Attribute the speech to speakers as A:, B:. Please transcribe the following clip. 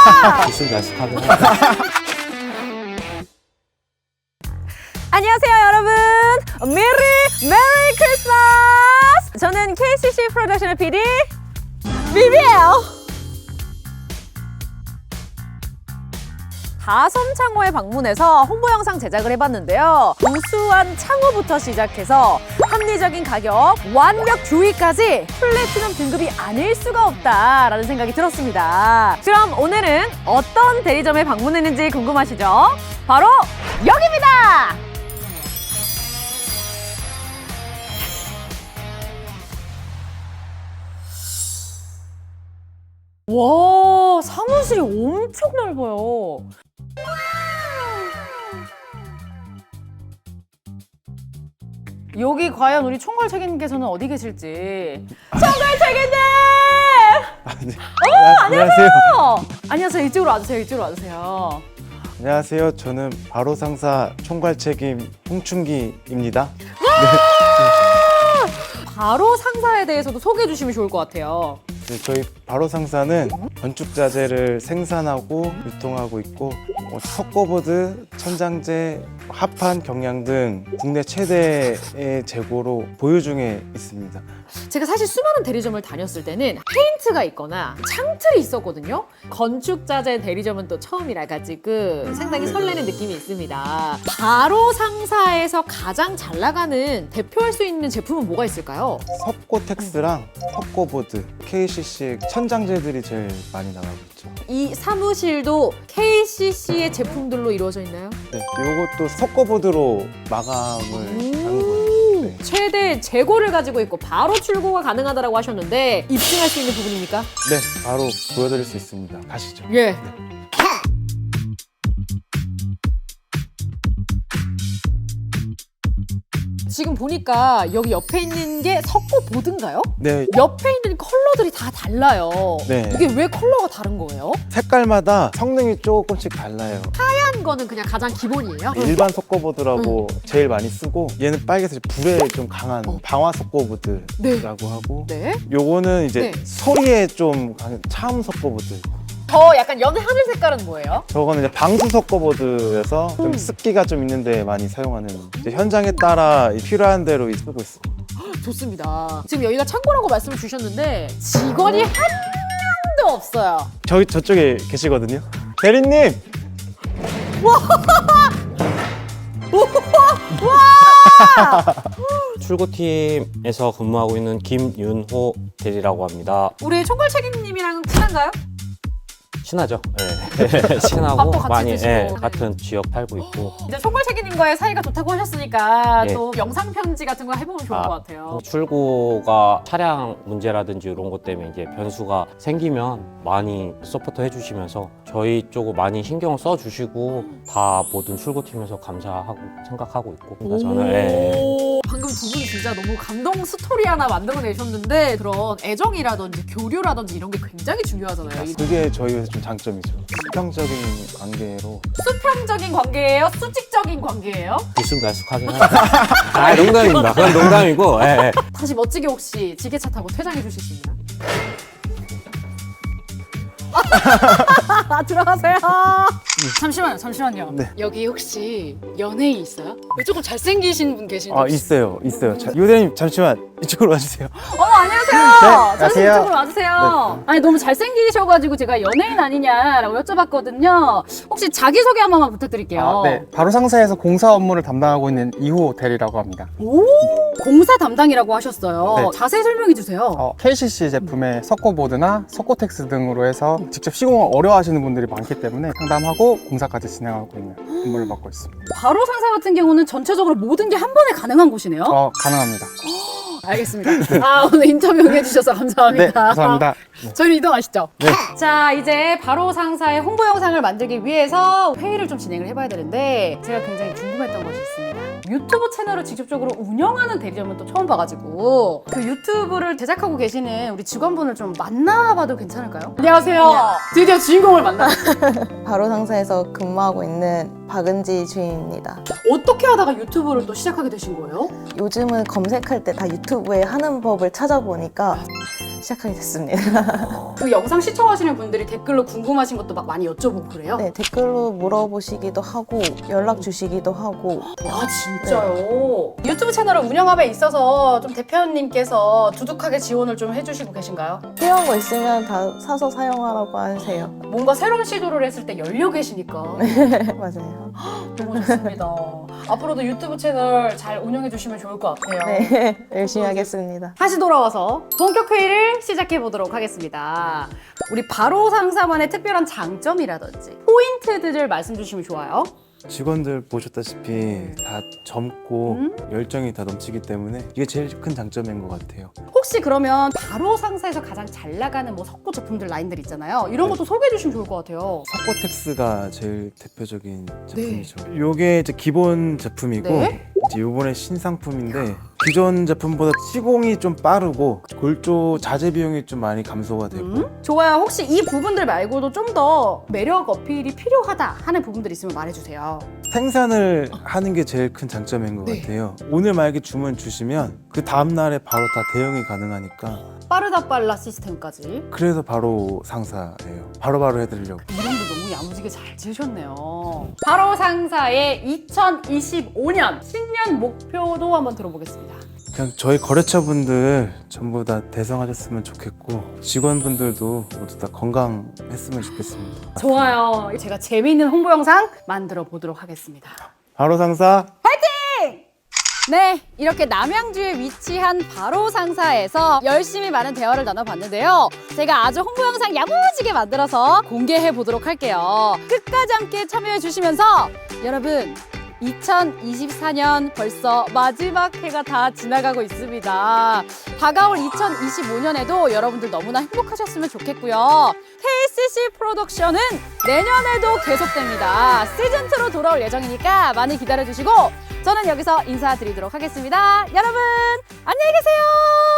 A: 기술 연습하긴 해.
B: 안녕하세요, 여러분. 메리 크리스마스. 저는 KCC 프로덕션의 PD 비비예요. 다섬 창호에 방문해서 홍보 영상 제작을 해봤는데요. 우수한 창호부터 시작해서 합리적인 가격, 완벽 교육까지 플래티넘 등급이 아닐 수가 없다라는 생각이 들었습니다. 그럼 오늘은 어떤 대리점에 방문했는지 궁금하시죠? 바로 여기입니다! 와, 사무실이 엄청 넓어요. 여기 과연 우리 총괄 책임님께서는 어디 계실지. 총괄 책임님!
C: 안녕하세요.
B: 안녕하세요. 이쪽으로 와주세요. 이쪽으로 와주세요.
C: 안녕하세요. 저는 바로 상사 총괄 책임 홍춘기입니다.
B: 바로 상사에 대해서도 소개해 주시면 좋을 것 같아요.
C: 네, 저희 바로 상사는 건축 자재를 생산하고 유통하고 있고 석고보드, 천장재, 합판, 경량 등 국내 최대의 재고로 보유 중에 있습니다.
B: 제가 사실 수많은 대리점을 다녔을 때는 페인트가 있거나 창틀이 있었거든요. 건축자재 대리점은 또 처음이라 가지고 상당히 설레는 느낌이 있습니다. 바로 상사에서 가장 잘 나가는 대표할 수 있는 제품은 뭐가 있을까요?
C: 석고텍스랑 석고보드, KCC 천장재들이 제일 많이 나가고 있죠.
B: 이 사무실도 KCC의 제품들로 이루어져 있나요?
C: 네, 이것도 석고보드로 마감을 하는 거예요. 네.
B: 최대 재고를 가지고 있고 바로 출고가 가능하다고 하셨는데 입증할 수 있는 부분입니까?
C: 네, 바로 보여드릴 수 있습니다. 가시죠.
B: 예. 지금 보니까 여기 옆에 있는 게 석고보드인가요?
C: 네,
B: 옆에 있는 컬러들이 다 달라요.
C: 네.
B: 이게 왜 컬러가 다른 거예요?
C: 색깔마다 성능이 조금씩 달라요.
B: 하얀 거는 그냥 가장 기본이에요?
C: 일반 석고보드라고 제일 많이 쓰고 얘는 빨개서 불에 좀 강한 방화 석고보드라고 하고
B: 네.
C: 요거는 이제
B: 네.
C: 소리에 좀 강한 차음 석고보드.
B: 더 약간 연한 하늘 색깔은 뭐예요?
C: 저거는 이제 방수 석고보드여서 좀 습기가 좀 있는데 많이 사용하는 이제 현장에 따라 필요한 대로 쓰고 있습니다.
B: 좋습니다. 지금 여기가 창고라고 말씀을 주셨는데 직원이 한 명도 없어요.
C: 저쪽에 계시거든요. 대리님!
A: 출고팀에서 근무하고 있는 김윤호 대리라고 합니다.
B: 우리 총괄 책임님이랑 친한가요?
A: 친하죠? 네. 친하고
B: 밥도 같이
A: 많이
B: 드시고. 네.
A: 같은 지역 살고 있고.
B: 이제 총괄 책임님과의 사이가 좋다고 하셨으니까
A: 네.
B: 또 영상 편지 같은 거 해보면 좋을 것 같아요.
A: 출고가 차량 문제라든지 이런 것 때문에 이제 변수가 생기면 많이 서포트 해주시면서 저희 쪽을 많이 신경 써주시고 다 모든 출고팀에서 감사하고 생각하고 있고. 그러니까 저는
B: 방금 두 분 진짜 너무 감동 스토리 하나 만들어내셨는데 그런 애정이라든지 교류라든지 이런 게 굉장히 중요하잖아요.
C: 그게 저희 회사 좀 장점이죠. 수평적인 관계로.
B: 수평적인 관계예요? 수직적인 관계예요?
A: 기술 연습하긴 해. 농담입니다. 그건 농담이고. 예.
B: 다시 멋지게 혹시 지게차 타고 퇴장해 주실 수 있나요? 들어가세요. 잠시만요.
C: 네.
D: 여기 혹시 연예인 있어요? 여기 조금 잘생기신 분 계신데
C: 아,
D: 혹시?
C: 있어요. 유 대리님 잠시만 이쪽으로 와주세요.
B: 안녕하세요. 선생님
C: 안녕하세요.
B: 이쪽으로 와주세요. 아니 너무 잘생기셔가지고 제가 연예인 아니냐라고 여쭤봤거든요. 혹시 자기소개 한 번만 부탁드릴게요.
E: 네, 바로 상사에서 공사 업무를 담당하고 있는 이호 대리라고 합니다.
B: 오, 공사 담당이라고 하셨어요.
E: 네.
B: 자세히 설명해 주세요.
E: KCC 제품의 석고보드나 석고텍스 등으로 해서 직접 시공을 어려워하시는 분들이 많기 때문에 상담하고 공사까지 진행하고 있는 업무를 맡고 있습니다.
B: 바로 상사 같은 경우는 전체적으로 모든 게 한 번에 가능한 곳이네요.
E: 가능합니다.
B: 알겠습니다. 오늘 인터뷰 응해주셔서 감사합니다.
E: 네, 감사합니다. 네.
B: 저희는 이동하시죠.
E: 네.
B: 자, 이제 바로 상사의 홍보 영상을 만들기 위해서 회의를 좀 진행을 해봐야 되는데 제가 굉장히 궁금했던 것이 있습니다. 유튜브 채널을 직접적으로 운영하는 대리점은 또 처음 봐가지고 그 유튜브를 제작하고 계시는 우리 직원분을 좀 만나봐도 괜찮을까요? 안녕하세요. 드디어 주인공을 만났어요.
F: 바로 상사에서 근무하고 있는 박은지 주인입니다.
B: 어떻게 하다가 유튜브를 또 시작하게 되신 거예요?
F: 요즘은 검색할 때 다 유튜브에 하는 법을 찾아보니까 시작하게 됐습니다.
D: 그 영상 시청하시는 분들이 댓글로 궁금하신 것도 막 많이 여쭤보고 그래요?
F: 네, 댓글로 물어보시기도 하고 연락 주시기도 하고
D: 아 진짜요? 유튜브 채널을 운영함에 있어서 좀 대표님께서 두둑하게 지원을 좀 해주시고 계신가요?
F: 필요한 거 있으면 다 사서 사용하라고 하세요.
D: 뭔가 새로운 시도를 했을 때 열려 계시니까
F: 맞아요.
D: 너무 좋습니다. 앞으로도 유튜브 채널 잘 운영해 주시면 좋을 것 같아요.
F: 네, 열심히 하겠습니다.
D: 다시 돌아와서 본격 회의를 시작해 보도록 하겠습니다. 우리 바로 상사만의 특별한 장점이라든지 포인트들을 말씀 주시면 좋아요.
C: 직원들 보셨다시피 다 젊고 열정이 다 넘치기 때문에 이게 제일 큰 장점인 것 같아요.
D: 혹시 그러면 바로 상사에서 가장 잘 나가는 뭐 석고 제품들 라인들 있잖아요. 이런 것도 소개해 주시면 좋을 것 같아요.
C: 석고텍스가 제일 대표적인 제품이죠. 요게 이제 기본 제품이고
D: 네.
C: 이제 요번에 신상품인데 기존 제품보다 시공이 좀 빠르고 골조 자재 비용이 좀 많이 감소가 되고
D: 좋아요. 혹시 이 부분들 말고도 좀 더 매력 어필이 필요하다 하는 부분들 있으면 말해주세요.
C: 생산을 하는 게 제일 큰 장점인 것
D: 네.
C: 같아요. 오늘 만약에 주문 주시면 그 다음 날에 바로 다 대응이 가능하니까
D: 빠르다 빨라 시스템까지.
C: 그래서 바로 상사예요. 바로바로 해드리려고.
D: 이름도 너무 야무지게 잘 지으셨네요. 바로 상사의 2025년 신년 목표도 한번 들어보겠습니다.
C: 그냥 저희 거래처분들 전부 다 대성하셨으면 좋겠고 직원분들도 모두 다 건강했으면 좋겠습니다.
D: 좋아요. 제가 재미있는 홍보 영상 만들어 보도록 하겠습니다.
C: 바로 상사
B: 네, 이렇게 남양주에 위치한 바로 상사에서 열심히 많은 대화를 나눠봤는데요. 제가 아주 홍보 영상 야무지게 만들어서 공개해 보도록 할게요. 끝까지 함께 참여해 주시면서 여러분 2024년 벌써 마지막 해가 다 지나가고 있습니다. 다가올 2025년에도 여러분들 너무나 행복하셨으면 좋겠고요. KCC 프로덕션은 내년에도 계속됩니다. 시즌2로 돌아올 예정이니까 많이 기다려주시고 저는 여기서 인사드리도록 하겠습니다. 여러분 안녕히 계세요.